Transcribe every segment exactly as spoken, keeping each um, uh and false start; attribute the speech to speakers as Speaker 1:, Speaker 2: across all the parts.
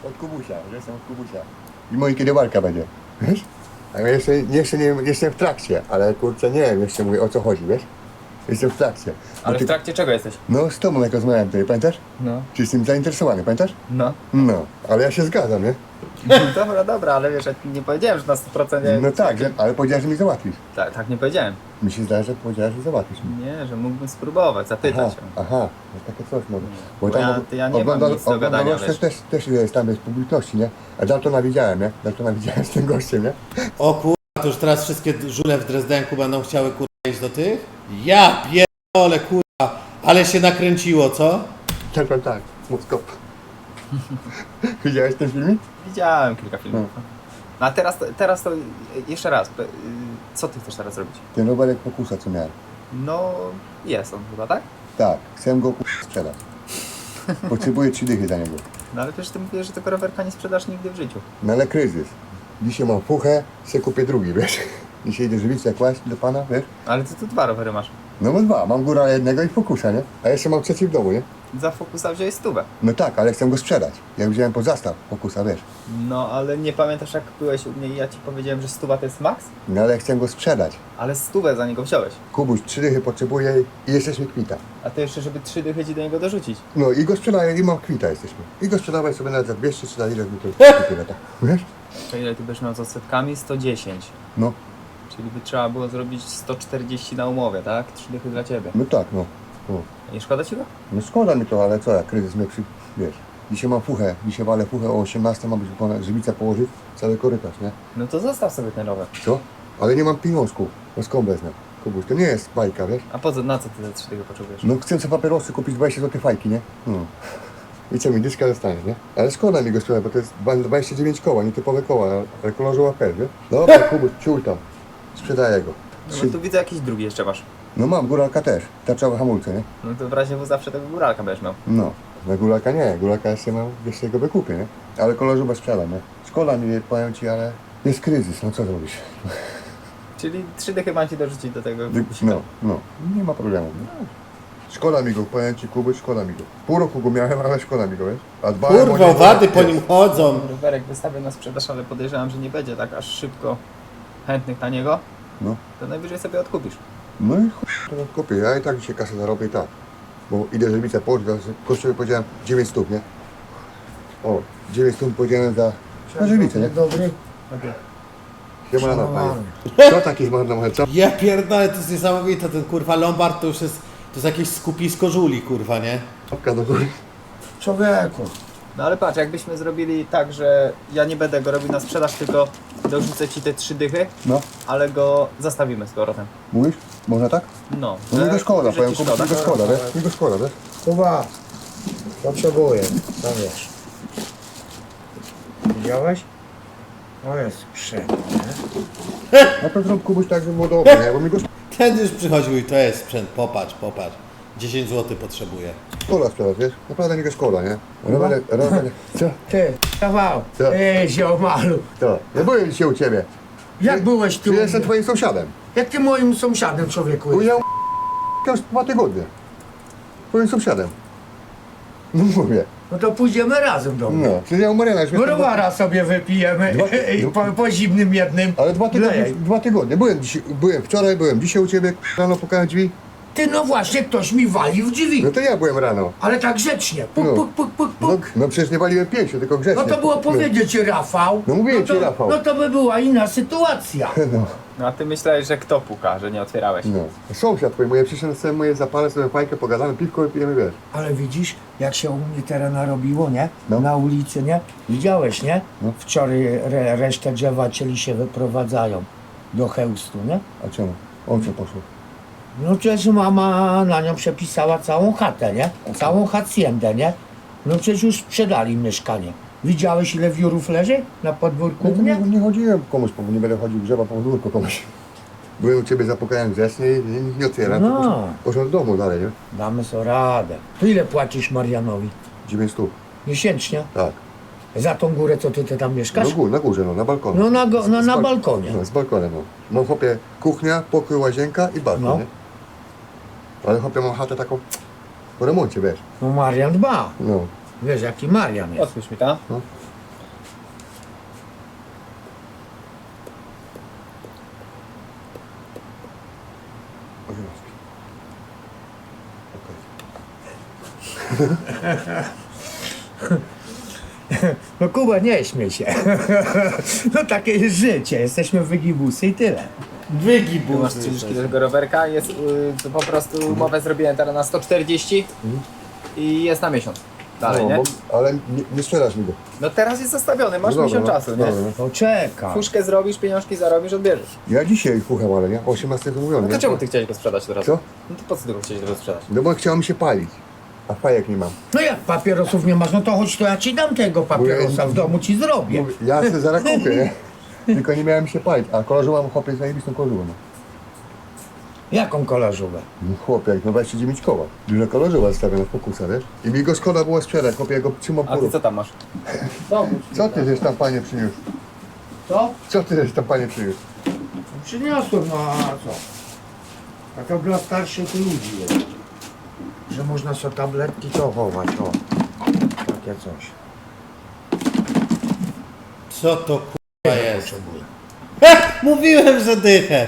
Speaker 1: Od Kubusia, że jestem od Kubusia. I moja kiedywarka będzie, wiesz? A ja jeszcze, jeszcze nie jestem w trakcie, ale kurczę nie wiem, jeszcze mówię o co chodzi, wiesz? Jestem w trakcie.
Speaker 2: Ale
Speaker 1: ty,
Speaker 2: w trakcie czego jesteś?
Speaker 1: No z tobą jak rozmawiałem tutaj, pamiętasz?
Speaker 2: No.
Speaker 1: Czy jestem zainteresowany, pamiętasz?
Speaker 2: No.
Speaker 1: No, ale ja się zgadzam, nie?
Speaker 2: Dobra, dobra, ale wiesz, ja nie powiedziałem, że na sto procent nie...
Speaker 1: No tak, że, ale powiedziałeeś, że mi załatwisz.
Speaker 2: Tak, tak nie powiedziałem.
Speaker 1: Mi się zdaje, że powiedziałeś, że załatwisz mi.
Speaker 2: Nie, że mógłbym spróbować, zapytać
Speaker 1: Aha,
Speaker 2: ją.
Speaker 1: aha, no takie coś może.
Speaker 2: Bo ja- to ja nie mam nic do gadania,
Speaker 1: też,
Speaker 2: wiesz.
Speaker 1: też, też jest tam bez publiczności, nie? A Daltona widziałem, nie? Daltona widziałem z tym gościem, nie?
Speaker 3: O kurwa, to już teraz wszystkie żule w Drezdenku będą chciały kurwa iść do tych? Ja pierdolę kurwa, ale się nakręciło, co?
Speaker 1: Tak, tak, tak, Moskop. Widziałeś ten filmik?
Speaker 2: Widziałem kilka filmów. No a teraz, to- teraz to jeszcze raz, y, co ty chcesz teraz robić?
Speaker 1: Ten rowerek Focusa, co miałem.
Speaker 2: No, jest on chyba, tak?
Speaker 1: Tak, chcę go ku- sprzedać. Potrzebuję trzy dychy za niego.
Speaker 2: No ale przecież ty mówisz, że tego rowerka nie sprzedasz nigdy w życiu.
Speaker 1: No ale kryzys. Dzisiaj mam fuchę, się kupię drugi, wiesz? Dzisiaj idę żywicę kłaść do pana, wiesz?
Speaker 2: Ale ty tu dwa rowery masz.
Speaker 1: No mam dwa, mam góra jednego i Focusa, nie? A jeszcze mam trzeci w domu, nie?
Speaker 2: Za Focusa wziąłeś stówę.
Speaker 1: No tak, ale chcę go sprzedać. Ja wziąłem pod zastaw Focusa, wiesz?
Speaker 2: No ale nie pamiętasz jak byłeś u mnie i ja ci powiedziałem, że stuwa to jest max?
Speaker 1: No ale chcę go sprzedać.
Speaker 2: Ale stówę za niego wziąłeś.
Speaker 1: Kubuś, trzy dychy potrzebuję i jesteśmy kwita.
Speaker 2: A to jeszcze, żeby trzy dychy ci do niego dorzucić.
Speaker 1: No i go sprzedaję i mam kwita jesteśmy. I go sprzedawaj sobie nawet za dwieście czy za ile mi to tyle, tak. Wiesz?
Speaker 2: To ile ty będziesz miał z odsetkami? sto dziesięć.
Speaker 1: No,
Speaker 2: Czyli by trzeba było zrobić sto czterdzieści na umowie, tak? trzy dychy dla ciebie.
Speaker 1: no tak, no. no.
Speaker 2: Nie szkoda ci go?
Speaker 1: No szkoda mi to, ale co, jak kryzys mnie przy... wiesz. Dzisiaj mam fuchę, dzisiaj walę fuchę o osiemnastej, ma być ponad żywica położyć, cały korytarz, nie?
Speaker 2: No to zostaw sobie ten rower.
Speaker 1: Co? Ale nie mam pieniążków, no skąd wezmę? Kubuś, to nie jest bajka, wiesz?
Speaker 2: A po co, na co ty te trzy dychy potrzebujesz?
Speaker 1: No chcę sobie papierosy kupić dwadzieścia złotych fajki, nie? No. I co mi dyska zostanie, nie? Ale szkoda mi go sprzedać, bo to jest dwadzieścia dziewięć koła, nietypowe koła, ale kolorze łapel, wiesz? Dobra, Kubuś, ciul tam. Sprzedaję go.
Speaker 2: No
Speaker 1: Trzy...
Speaker 2: bo tu widzę jakiś drugi jeszcze masz.
Speaker 1: No mam, góralka też, tarczowe hamulce, nie?
Speaker 2: No to w razie w zawsze tego góralka będziesz miał.
Speaker 1: No, na góralka nie, góralka jeszcze mam, jeszcze go wykupię, nie? Ale kolorze sprzedam, nie? Szkoda mi, powiem ci, ale jest kryzys, no co zrobisz?
Speaker 2: Czyli trzy dychy mam ci dorzucić do tego wykusika.
Speaker 1: No, no, nie ma problemu. No. Szkoda mi go, powiem ci, Kubuś, szkoda mi go. Pół roku go miałem, ale szkoda mi go, wiesz? A dbałem o
Speaker 3: Kurwa,
Speaker 1: niego,
Speaker 3: wady po
Speaker 1: wiesz.
Speaker 3: nim chodzą.
Speaker 2: Rowerek wystawię na sprzedaż, ale podejrzewam, że nie będzie tak aż szybko chętnych na niego.
Speaker 1: No.
Speaker 2: To najwyżej sobie odkupisz.
Speaker 1: No i chuj, to kupię. Ja i tak dzisiaj kasę zarobię i tak. Bo idę żywicę położyć, kosztuje powiedziałem dziewięć stóp, nie? O, dziewięć stóp powiedziałem za, za żywicę, nie?
Speaker 4: Dobry.
Speaker 1: Siemano, panie. Co taki zmarnowany, co?
Speaker 3: Ja pierdolę, to jest niesamowite, ten kurwa Lombard to już jest, to jest jakieś skupisko żuli, kurwa, nie?
Speaker 1: Łapka do góry.
Speaker 4: Człowieku.
Speaker 2: No ale patrz, jakbyśmy zrobili tak, że ja nie będę go robił na sprzedaż, tylko dorzucę ci te trzy dychy,
Speaker 1: No,
Speaker 2: ale go zastawimy z powrotem.
Speaker 1: mówisz? Można tak?
Speaker 2: No.
Speaker 1: No mi
Speaker 2: że-
Speaker 1: go szkoda,
Speaker 2: że
Speaker 1: powiem,
Speaker 2: ci
Speaker 1: Kubuś, mi go szkoda, wiesz? Mi go szkoda, wiesz?
Speaker 4: Kuba. Potrzebuję. Sam wiesz. Widziałeś? To jest sprzęt, nie?
Speaker 1: Na to zrób Kubuś tak, żeby było dobre, nie? Bo mi go
Speaker 3: Ten już przychodził i to jest sprzęt, popatrz, popatrz. dziesięć złotych potrzebuje.
Speaker 1: szkoda sprzedać, wiesz? Naprawdę mi go szkoda, nie? Rowerek, rowerek, co?
Speaker 4: Ty, kawał.
Speaker 1: Co?
Speaker 4: Ty, ziomalu.
Speaker 1: Co? Ja byłem dzisiaj u ciebie.
Speaker 4: Jak byłeś tu?
Speaker 1: Czy jestem twoim sąsiadem?
Speaker 4: Jak ty moim sąsiadem, człowieku?
Speaker 1: Powiedział już dwa tygodnie. Twoim sąsiadem. No mówię.
Speaker 4: No to pójdziemy razem do mnie.
Speaker 1: No, przecież ja u Mariana już jestem-
Speaker 4: Browara sobie wypijemy
Speaker 1: Dwa-
Speaker 4: i po, po zimnym jednym.
Speaker 1: Ale dwa tygodnie,
Speaker 4: Lej.
Speaker 1: dwa tygodnie. Byłem, dzisiaj, byłem wczoraj, byłem dzisiaj u ciebie, rano pukałem drzwi.
Speaker 4: Ty, no właśnie, ktoś mi wali w drzwi.
Speaker 1: No to ja byłem rano.
Speaker 4: Ale tak grzecznie. Puk,
Speaker 1: No.
Speaker 4: puk, puk, puk,
Speaker 1: No,
Speaker 4: puk.
Speaker 1: no przecież nie waliłem pięściu, tylko grzecznie.
Speaker 4: No to było powiedzieć Rafał.
Speaker 1: No mówiłem
Speaker 4: no to,
Speaker 1: ci, Rafał.
Speaker 4: No to by była inna sytuacja.
Speaker 1: No,
Speaker 2: No a ty myślałeś, że kto puka, że nie otwierałeś.
Speaker 1: no. Sąsiad twój, moje przyszedł sobie moje zapalę, sobie fajkę, pogadamy, piwko i pijemy, wiesz.
Speaker 4: Ale widzisz, jak się u mnie teraz narobiło, nie?
Speaker 1: No.
Speaker 4: Na ulicy, nie? Widziałeś, nie?
Speaker 1: No.
Speaker 4: Wczoraj re, resztę drzewa cieli się wyprowadzają do chełstu, nie?
Speaker 1: A czemu? O co poszło?
Speaker 4: No przecież mama na nią przepisała całą chatę, nie? Całą haciendę, nie? No przecież już sprzedali mieszkanie. Widziałeś, ile wiórów leży na podwórku
Speaker 1: Nie,
Speaker 4: u
Speaker 1: nie,
Speaker 4: mnie?
Speaker 1: nie chodziłem komuś, bo nie będę chodził grzewa po podwórku komuś. Byłem u ciebie, zapukałem grzecznie i nie, nie otwieram.
Speaker 4: No.
Speaker 1: No. Poszedłem do domu dalej, nie?
Speaker 4: Damy sobie radę. To ile płacisz Marianowi?
Speaker 1: dziewięć stóp.
Speaker 4: Miesięcznie?
Speaker 1: Tak.
Speaker 4: Za tą górę, co ty, ty tam mieszkasz?
Speaker 1: No gór, na górze, no, na balkonie.
Speaker 4: No na, go, no,
Speaker 1: Z
Speaker 4: na
Speaker 1: bal-
Speaker 4: balkonie.
Speaker 1: No, z balkonem, no. Mam chłopie kuchnia, pokój, łazienka i balkon,
Speaker 4: No.
Speaker 1: nie? Ale chłopie mam chatę taką po remoncie, wiesz.
Speaker 4: No Marian dba.
Speaker 1: No.
Speaker 4: Wiesz, jaki Marian jest.
Speaker 2: Odpuść mi to.
Speaker 1: osiemnastki.
Speaker 4: No Kuba, nie śmiej się. No takie jest życie, jesteśmy wygibusy i tyle.
Speaker 2: Tu masz
Speaker 3: Wygibus.
Speaker 2: trzydzieści do tego rowerka, jest y, to po prostu umowę zrobiłem teraz na sto czterdzieści i jest na miesiąc. Dalej,
Speaker 1: No,
Speaker 2: nie?
Speaker 1: bo, ale nie, nie sprzedasz mi go.
Speaker 2: No teraz jest zastawiony, masz
Speaker 1: No dobra,
Speaker 2: miesiąc
Speaker 1: no,
Speaker 2: czasu, nie?
Speaker 1: dobra, no.
Speaker 4: To czeka.
Speaker 2: Fuszkę zrobisz, pieniążki zarobisz, odbierzesz.
Speaker 1: Ja dzisiaj fucham, ale nie? O osiemnastej zamówiony.
Speaker 2: No to
Speaker 1: nie?
Speaker 2: czemu ty chciałeś go sprzedać teraz?
Speaker 1: Co?
Speaker 2: No to po co ty go chciałeś go sprzedać?
Speaker 1: No bo chciało mi się palić. A fajek nie mam.
Speaker 4: No jak papierosów nie masz, no to chodź, to ja ci dam tego papierosa, w domu ci zrobię.
Speaker 1: Mówię, ja sobie zaraz kupię, nie? Tylko nie miałem się palić. A kolarzu mam chłopie z zajebistą kolarzuwą. No.
Speaker 4: Jaką kolarzówę?
Speaker 1: No chłopie, jak no dwadzieścia dziewięć koła. Duża kolarzuwa stawiona w pokusa, wiesz? I mi go szkoda było sprzedać, chłopie, ja go trzymam
Speaker 2: A ty
Speaker 1: pół
Speaker 2: co tam masz?
Speaker 1: Co ty żeś tam panie przyniósł?
Speaker 4: Co?
Speaker 1: Co ty żeś tam panie przyniósł?
Speaker 4: Przyniosłem, no a co? A to dla starszych ludzi jest. Że można sobie tabletki to chować, o. Takie coś.
Speaker 3: Co to kurwa jest?
Speaker 4: Potrzebuję.
Speaker 3: Mówiłem, że dychę.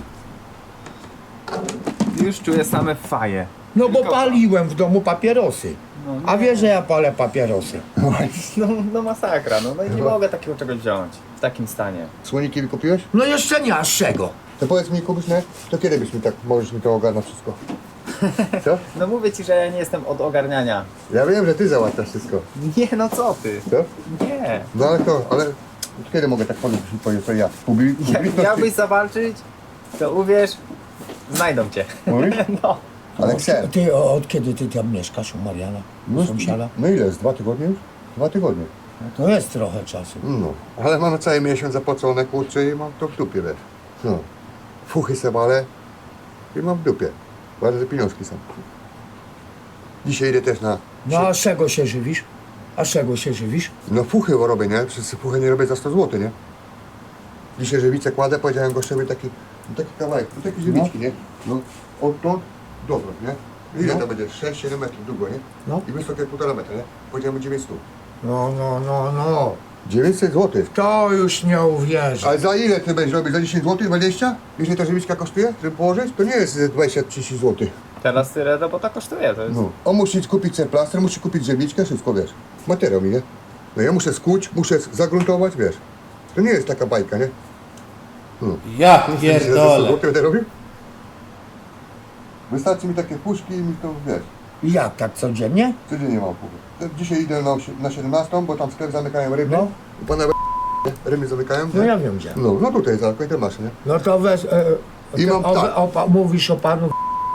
Speaker 2: Już czuję same faje.
Speaker 4: No bo paliłem w domu papierosy.
Speaker 2: No,
Speaker 4: A wiesz, że ja palę papierosy.
Speaker 2: No, no masakra, no, no i nie mogę takiego czegoś wziąć w takim stanie.
Speaker 1: Słoniki wykupiłeś?
Speaker 4: No jeszcze nie, aż czego?
Speaker 1: To powiedz mi, Kubuś, nie? To kiedy byś mi tak, możesz mi to ogarnąć wszystko? Co?
Speaker 2: No mówię ci, że ja nie jestem od ogarniania.
Speaker 1: Ja wiem, że ty załatwiasz wszystko.
Speaker 2: Nie, no co ty?
Speaker 1: Co?
Speaker 2: Nie.
Speaker 1: No ale to, ale kiedy mogę tak podejść i powiedzieć, to ja? Publi-
Speaker 2: Jak
Speaker 1: publiczność-
Speaker 2: miałbyś zawalczyć, to uwierz, znajdą cię.
Speaker 1: Mówisz?
Speaker 2: No.
Speaker 1: Ale chcę.
Speaker 4: Ty o, od kiedy ty tam mieszkasz u Mariana?
Speaker 1: No,
Speaker 4: Sąsiada?
Speaker 1: no ile jest? Dwa tygodnie już? Dwa tygodnie.
Speaker 4: No to jest trochę czasu.
Speaker 1: No, ale mam cały miesiąc zapłacone, kurczę, i mam to w dupie, wiesz. No. Fuchy se walę i mam w dupie. Bardzo pieniążki są. Dzisiaj idę też na...
Speaker 4: No a z czego się żywisz? A z czego się żywisz?
Speaker 1: No fuchy robię, nie? Przez fuchy nie robię za sto złotych, nie? Dzisiaj żywicę kładę, powiedziałem gościowi taki, no taki kawałek, no takie żywiczki, nie? No, odtąd dotąd, nie? Ile
Speaker 4: No.
Speaker 1: to będzie? sześć siedem metrów długo, nie?
Speaker 4: No.
Speaker 1: I wysokie półtora metra, nie? Powiedziałem dziewięćset.
Speaker 4: No, no, no, no.
Speaker 1: dziewięćset złotych.
Speaker 4: To już nie uwierzę.
Speaker 1: Ale za ile ty będziesz robić? Za dziesięć złotych, dwadzieścia? Jeśli ta żywiczka kosztuje, żeby położyć, to nie jest dwadzieścia trzydzieści złotych.
Speaker 2: Teraz tyle robota kosztuje, to jest...
Speaker 1: No. On musi kupić ten plaster, musi kupić żywiczkę, wszystko, wiesz. Materiał mi, nie? No ja muszę skuć, muszę zagruntować, wiesz. To nie jest taka bajka, nie? No.
Speaker 3: Ja
Speaker 1: Za sto
Speaker 3: pierdolę.
Speaker 1: złotych będę robił? Wystarczy mi takie puszki i mi to, wiesz,
Speaker 4: Jak tak codziennie?
Speaker 1: codziennie mam puszki. Dzisiaj idę na, osie- na siedemnastą, bo tam sklep zamykają ryby.
Speaker 4: No.
Speaker 1: I pana ryby zamykają.
Speaker 4: No
Speaker 1: nie?
Speaker 4: ja wiem gdzie.
Speaker 1: No, no tutaj za końcem masz, nie?
Speaker 4: No to weź, e,
Speaker 1: I
Speaker 4: ty
Speaker 1: mam
Speaker 4: o,
Speaker 1: tak.
Speaker 4: o, o, mówisz o panu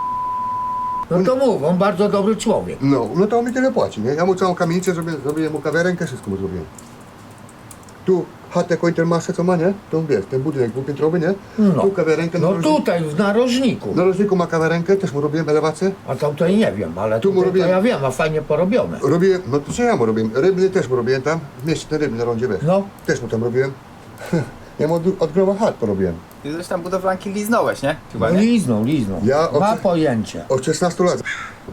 Speaker 4: no to mów, on bardzo dobry człowiek.
Speaker 1: No, no to on mi tyle płaci, nie? Ja mu całą kamienicę zrobię, zrobiłem mu kawiarenkę, wszystko mu zrobiłem. Tu chatę Końtermasze, co ma, nie? To wiesz, ten budynek dwupiętrowy, nie?
Speaker 4: No.
Speaker 1: Tu kawiarenkę na
Speaker 4: No
Speaker 1: rożniku.
Speaker 4: tutaj, w narożniku.
Speaker 1: Na rożniku ma kawiarenkę, też mu robiłem elewację.
Speaker 4: A tam to nie wiem, ale
Speaker 1: Tu mu
Speaker 4: tutaj to
Speaker 1: robiłem-
Speaker 4: ja wiem, a fajnie porobione.
Speaker 1: Robiłem, no to co ja mu robiłem? Rybny też mu robiłem tam, w mieście ten rybny na rondzie, wiesz.
Speaker 4: No.
Speaker 1: Też mu tam robiłem. Ja mu od, od groba chat porobiłem.
Speaker 2: Ty coś tam budowlanki liznąłeś, nie? Chyba,
Speaker 4: No
Speaker 2: nie?
Speaker 4: liznął, liznął.
Speaker 1: Ja
Speaker 4: Ma
Speaker 1: obce-
Speaker 4: pojęcie.
Speaker 1: Od szesnastu lat.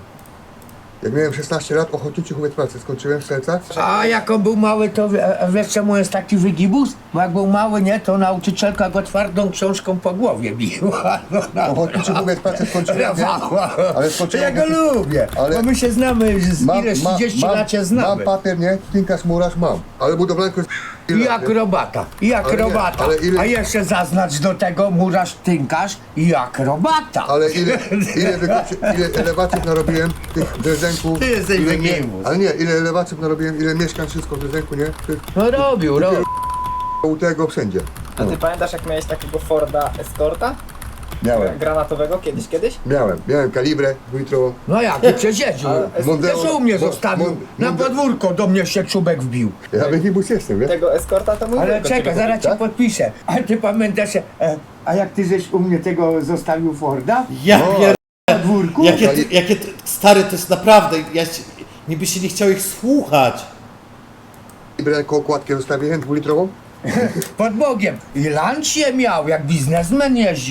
Speaker 1: Jak miałem szesnaście lat, ochotniczy chowiec pracy skończyłem w sercach.
Speaker 4: A jak on był mały, to wie- e, wiesz czemu jest taki wygibus? Bo jak był mały, nie, to nauczycielka go twardą książką po głowie biła. No, no.
Speaker 1: Ochotniczy chowiec pracy skończyłem, nie? Ale skończyłem...
Speaker 4: Ja go lubię,
Speaker 1: Ale-
Speaker 4: bo my się znamy, z ile trzydzieści lat się
Speaker 1: Mam
Speaker 4: znamy.
Speaker 1: papier, nie? Tinkas, murarz mam. Ale budowlankę jest...
Speaker 4: I akrobata, i akrobata.
Speaker 1: ale ile-
Speaker 4: A jeszcze zaznacz do tego murarz, tynkarz i akrobata.
Speaker 1: Ale ile, ile, wykończy- ile elewacjów narobiłem, tych drezdenków...
Speaker 4: Ty jesteś
Speaker 1: ile,
Speaker 4: wygimus.
Speaker 1: Ale nie, ile elewacjów narobiłem, ile mieszkań, wszystko w drezdenku, nie? Ty-
Speaker 4: No robił, robił.
Speaker 1: U tego wszędzie.
Speaker 2: A ty pamiętasz, jak miałeś takiego Forda Escorta?
Speaker 1: Miałem,
Speaker 2: Granatowego kiedyś, kiedyś?
Speaker 1: miałem, miałem kalibrę dwulitrową.
Speaker 4: No jak, ty przecież jeździł.
Speaker 2: Ale-
Speaker 1: Mondeo-
Speaker 4: Też u mnie
Speaker 1: Mo-
Speaker 4: zostawił.
Speaker 1: Mon-
Speaker 4: Na
Speaker 1: Monde-
Speaker 4: podwórko do mnie się czubek wbił.
Speaker 1: Ja wygibus jestem, wiesz?
Speaker 2: Tego Escorta to mój
Speaker 4: Ale
Speaker 2: wujek
Speaker 4: czekaj,
Speaker 2: ciebie
Speaker 4: zaraz cię
Speaker 1: tak?
Speaker 4: podpiszę. A ty pamiętasz, e, a jak ty żeś u mnie tego zostawił Forda?
Speaker 3: Ja
Speaker 1: No,
Speaker 3: pierdolę.
Speaker 4: Na podwórku?
Speaker 3: Jakie, ty- jakie ty- stary, to jest naprawdę, ja się, niby się nie chciał ich słuchać.
Speaker 1: Kalibrę koło okładki zostawiłem dwulitrową.
Speaker 4: Pod Bogiem. I lancję miał, jak biznesmen jeździł.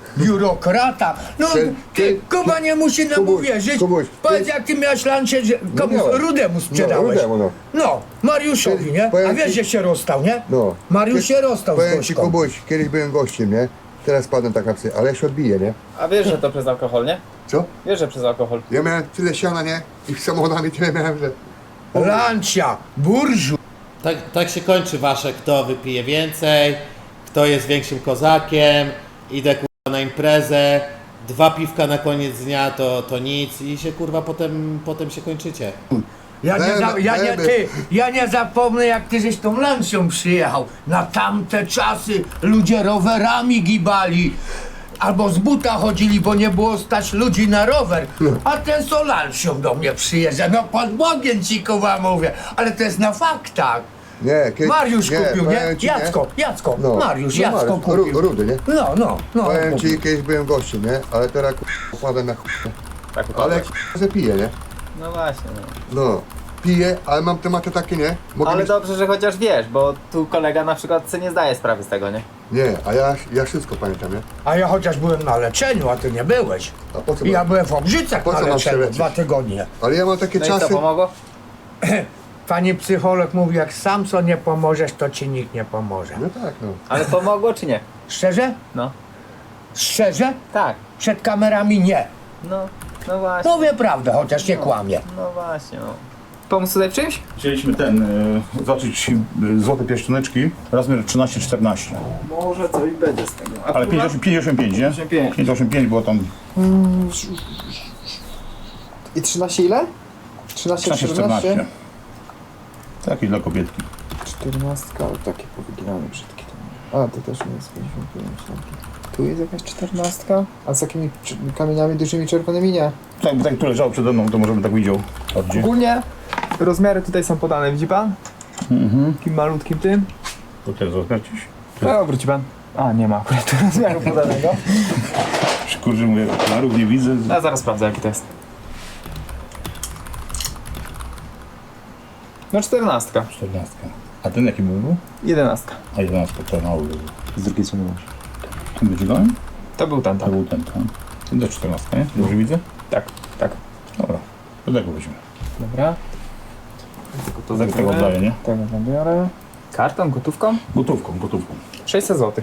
Speaker 4: biurokrata. No,
Speaker 1: Ty-
Speaker 4: ty,
Speaker 1: ty-
Speaker 4: Kuba nie musi nam
Speaker 1: Kubuś,
Speaker 4: uwierzyć.
Speaker 1: Kubuś,
Speaker 4: Powiedz,
Speaker 1: ty-
Speaker 4: jak ty miałeś lancie, że komuś
Speaker 1: miałem.
Speaker 4: Rudemu sprzedałeś.
Speaker 1: Rudemu, no.
Speaker 4: No, Mariuszowi,
Speaker 1: Ty-
Speaker 4: nie? A
Speaker 1: powiem
Speaker 4: wiesz,
Speaker 1: ci-
Speaker 4: że się rozstał, nie?
Speaker 1: No.
Speaker 4: Mariusz się rozstał z
Speaker 1: Powiem ci,
Speaker 4: Gośką.
Speaker 1: Kubuś, kiedyś byłem gościem, nie? Teraz padłem tak na psy, ale ja się odbiję, nie?
Speaker 2: A wiesz, że to przez alkohol, nie?
Speaker 1: Co?
Speaker 2: Wiesz, że przez alkohol.
Speaker 1: Ja miałem tyle siana, nie? I z samochodami tyle miałem, że...
Speaker 4: Lancia, burżu.
Speaker 3: Tak, tak się kończy wasze, kto wypije więcej, kto jest większym kozakiem, idę kurwa na imprezę, dwa piwka na koniec dnia to, to nic i się kurwa potem, potem się kończycie.
Speaker 4: Ja nie, za, ja, nie,
Speaker 1: Bebe.
Speaker 4: ty, ja nie zapomnę, jak ty żeś tą lancią przyjechał. Na tamte czasy ludzie rowerami gibali. Albo z buta chodzili, bo nie było stać ludzi na rower. A ten z lancią do mnie przyjeżdża. No pod Bogiem ci Kuba mówię. Ale to jest na faktach.
Speaker 1: Nie, kiedy...
Speaker 4: Mariusz kupił, nie?
Speaker 1: powiem ci,
Speaker 4: Jacko, Jacko,
Speaker 1: No,
Speaker 4: Mariusz,
Speaker 1: no
Speaker 4: Jacko
Speaker 1: Mariusz,
Speaker 4: kupił.
Speaker 1: Ru- Rudy, nie?
Speaker 4: No, no, no.
Speaker 1: Powiem
Speaker 4: kupił.
Speaker 1: ci, kiedyś byłem gościem, nie? Ale teraz k***a, padłem na chuj.
Speaker 2: Tak
Speaker 1: Ale
Speaker 2: upadłeś.
Speaker 1: k***a, że piję, nie?
Speaker 2: No właśnie, no.
Speaker 1: No. Piję, ale mam tematy takie, nie? Mogę
Speaker 2: Ale
Speaker 1: mieć...
Speaker 2: dobrze, że chociaż wiesz, bo tu kolega na przykład sobie nie zdaje sprawy z tego, nie?
Speaker 1: Nie, a ja, ja wszystko pamiętam, nie?
Speaker 4: A ja chociaż byłem na leczeniu, a ty nie byłeś.
Speaker 1: A po co
Speaker 4: I ja
Speaker 1: mam-
Speaker 4: byłem w Obrzycach
Speaker 1: Po
Speaker 4: na
Speaker 1: co mam się
Speaker 4: leczeniu
Speaker 1: leczyć?
Speaker 4: dwa tygodnie.
Speaker 1: Ale ja mam takie
Speaker 2: No i co,
Speaker 1: czasy...
Speaker 2: pomogło?
Speaker 4: Pani psycholog mówi, jak sam co nie pomożesz, to ci nikt nie pomoże.
Speaker 1: No tak, no.
Speaker 2: Ale pomogło czy nie?
Speaker 4: Szczerze?
Speaker 2: No.
Speaker 4: Szczerze?
Speaker 2: Tak.
Speaker 4: Przed kamerami nie.
Speaker 2: No, no właśnie.
Speaker 4: Mówię prawdę, chociaż nie kłamię.
Speaker 2: No właśnie, no. Pomóc tutaj w czymś?
Speaker 5: Chcieliśmy ten, y, zacząć y, złote pierścioneczki, rozmiar trzynaście czternaście.
Speaker 2: Może coś będzie z tego.
Speaker 5: Ale pięćdziesiąt pięć, nie?
Speaker 2: pięćdziesiąt pięć.
Speaker 5: pięćdziesiąt pięć było tam
Speaker 2: I trzynaście ile? trzynaście,
Speaker 5: trzynaście czternaście. Taki dla kobietki.
Speaker 2: czternastka, ale takie powyginane brzydkie. A, to też nie jest pięćdziesiąt pięć. Tu jest jakaś czternastka, a z takimi cz- kamieniami dużymi czerwonymi nie.
Speaker 5: Tak, tak, tu leżało przede mną, to może bym tak widział. Bardziej.
Speaker 2: Ogólnie rozmiary tutaj są podane, widzi pan?
Speaker 5: Mhm.
Speaker 2: Takim malutkim tym.
Speaker 5: To teraz rozmiar gdzieś.
Speaker 2: No, wróci pan. A, nie ma akurat tu rozmiaru podanego.
Speaker 5: Kurczę, mówię, okularów nie widzę.
Speaker 2: Ja zaraz sprawdzę, jaki to jest. No, czternastka.
Speaker 5: czternastka. A ten jaki był?
Speaker 2: Jedenastka.
Speaker 5: A jedenastka, to mały był.
Speaker 2: Z drugiej strony masz.
Speaker 5: Ten wyciągałem?
Speaker 2: To był ten,
Speaker 5: To
Speaker 2: tak.
Speaker 5: był ten, tak. Ten też czternastka, nie? Dobrze widzę?
Speaker 2: Tak, tak.
Speaker 5: Dobra, to tego weźmy.
Speaker 2: Dobra. Tylko to
Speaker 5: Tak tego oddaję, nie?
Speaker 2: Tego zabiorę. Kartą, gotówką?
Speaker 5: Gotówką, gotówką.
Speaker 2: sześćset złotych.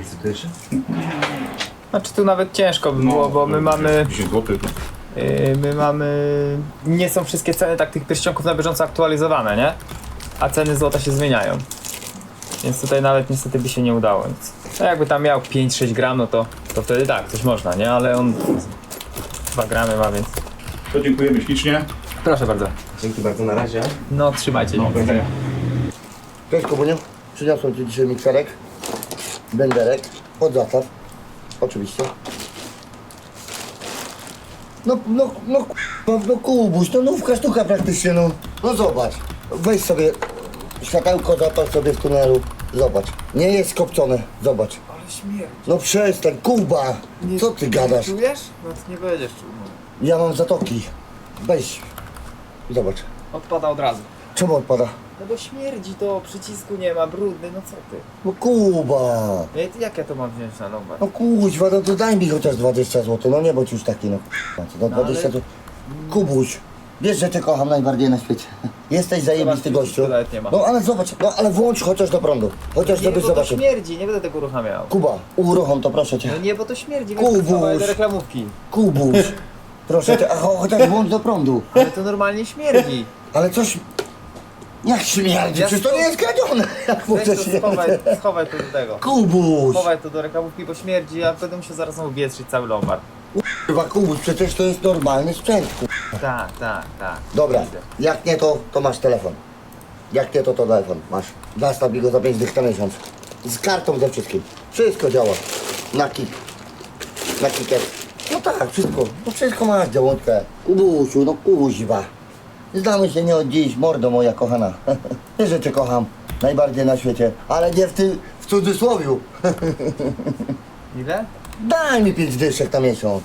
Speaker 2: Znaczy tu nawet ciężko by było, bo my mamy,
Speaker 5: dziesięć złotych.
Speaker 2: yy, my mamy, nie są wszystkie ceny tak tych pierścionków na bieżąco aktualizowane, nie? A ceny złota się zmieniają. Więc tutaj nawet niestety by się nie udało nic. No jakby tam miał pięć sześć gram, no to, to wtedy tak, coś można, nie? Ale on dwa gramy ma, więc...
Speaker 5: To dziękujemy ślicznie.
Speaker 2: Proszę bardzo.
Speaker 6: Dzięki bardzo, na razie.
Speaker 2: No trzymajcie.
Speaker 5: No, do widzenia.
Speaker 1: Cześć Kubuniu, przyniosłem Ci dzisiaj mikserek, benderek, od zastaw, oczywiście. No, no, no, no, no Kubuś, no nówka sztuka praktycznie, no. No zobacz, weź sobie światełko, zapal sobie w tunelu, zobacz. Nie jest skopcone, zobacz.
Speaker 2: Ale śmierć.
Speaker 1: No przestań, Kuba, co Ty gadasz?
Speaker 2: Czujesz? No to nie będziesz czuł.
Speaker 1: Ja mam zatoki, weź, zobacz.
Speaker 2: Odpada od razu.
Speaker 1: Czemu odpada?
Speaker 2: No bo śmierdzi to, przycisku nie ma, brudny, no co ty?
Speaker 1: No Kuba.
Speaker 2: No i jak ja to mam wziąć na lombard?
Speaker 1: No kuźwa, no to daj mi chociaż dwadzieścia złotych, no nie bądź już taki, no k***a, no dwadzieścia złotych. Kubuś, wiesz, że Cię kocham najbardziej na świecie. Jesteś zajebisty
Speaker 2: Zobacz,
Speaker 1: gościu.
Speaker 2: nawet nie ma.
Speaker 1: No ale zobacz, no ale włącz chociaż do prądu, chociaż
Speaker 2: Nie,
Speaker 1: żebyś
Speaker 2: bo to
Speaker 1: zobaczył.
Speaker 2: śmierdzi, nie będę tego uruchamiał.
Speaker 1: Kuba, uruchom to proszę Cię.
Speaker 2: No nie, bo to śmierdzi,
Speaker 1: Kubuś.
Speaker 2: więc do reklamówki.
Speaker 1: Kubuś, proszę Cię, a cho- chociaż włącz do prądu.
Speaker 2: Ale to normalnie śmierdzi.
Speaker 1: Ale coś... Jak śmierdzi,
Speaker 2: Ja
Speaker 1: przecież to
Speaker 2: sto-
Speaker 1: nie jest kradzione. Jak
Speaker 2: Weź
Speaker 1: możesz
Speaker 2: to
Speaker 1: nie...
Speaker 2: schowaj, schowaj to do tego.
Speaker 1: Kubuś,
Speaker 2: Schowaj to do reklamówki, bo śmierdzi, a będę musiał zaraz znowu wietrzyć cały lombard.
Speaker 1: kurwa Kubuś, przecież to jest normalny sprzęt. ku-
Speaker 2: Tak, tak, tak.
Speaker 1: Dobra,
Speaker 2: Widzę.
Speaker 1: jak nie to, to masz telefon. Jak nie to, to telefon masz. Zastaw mi go za pięć dych na miesiąc. Z kartą, ze wszystkim. Wszystko działa. Na kik. Na kiket. No tak, wszystko. No wszystko masz, działątkę. Kubusiu, no kuźwa. Znamy się nie od dziś, mordo moja kochana. Wiesz, że Cię kocham. Najbardziej na świecie. Ale nie w tym, w cudzysłowiu.
Speaker 2: Ile?
Speaker 1: Daj mi pięć dyszek na miesiąc.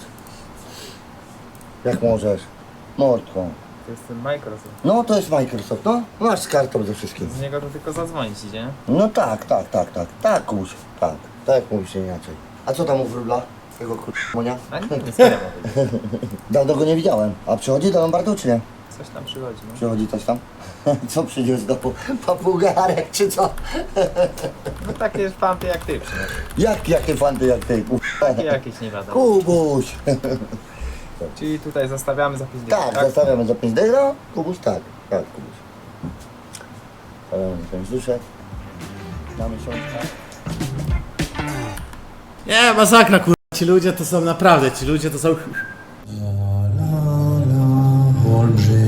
Speaker 1: Jak możesz. Mordką.
Speaker 2: To jest ten Microsoft.
Speaker 1: No to jest Microsoft, no. Masz z kartą ze wszystkim.
Speaker 2: Z niego to tylko zadzwonić idzie.
Speaker 1: No tak, tak, tak, tak. Tak, kuś. Tak. Tak jak mówisz inaczej. A co tam u wróbla? Tego kurmonia.
Speaker 2: A nie, nie skoro mówię.
Speaker 1: Dawno go nie widziałem. A przychodzi do Lombardu czy nie?
Speaker 2: Coś tam przychodzi, no.
Speaker 1: Przychodzi coś tam? Co przyniósł do papugarek czy co?
Speaker 2: No takie fanty jak ty przynajmniej.
Speaker 1: Jak, jakie fanty jak ty?
Speaker 2: Takie jakieś nie wiadomo.
Speaker 1: Kubuś!
Speaker 2: Czyli tutaj zostawiamy za pięć dych,
Speaker 1: Tak, zostawiamy za pięć dych, no? Kubuś tak, tak Kubuś. Zostawiamy za pięć dyszek. Na miesiączkę.
Speaker 3: Nie, masakra kurwa, ci ludzie to są naprawdę, ci ludzie to są...
Speaker 4: Olbrzymie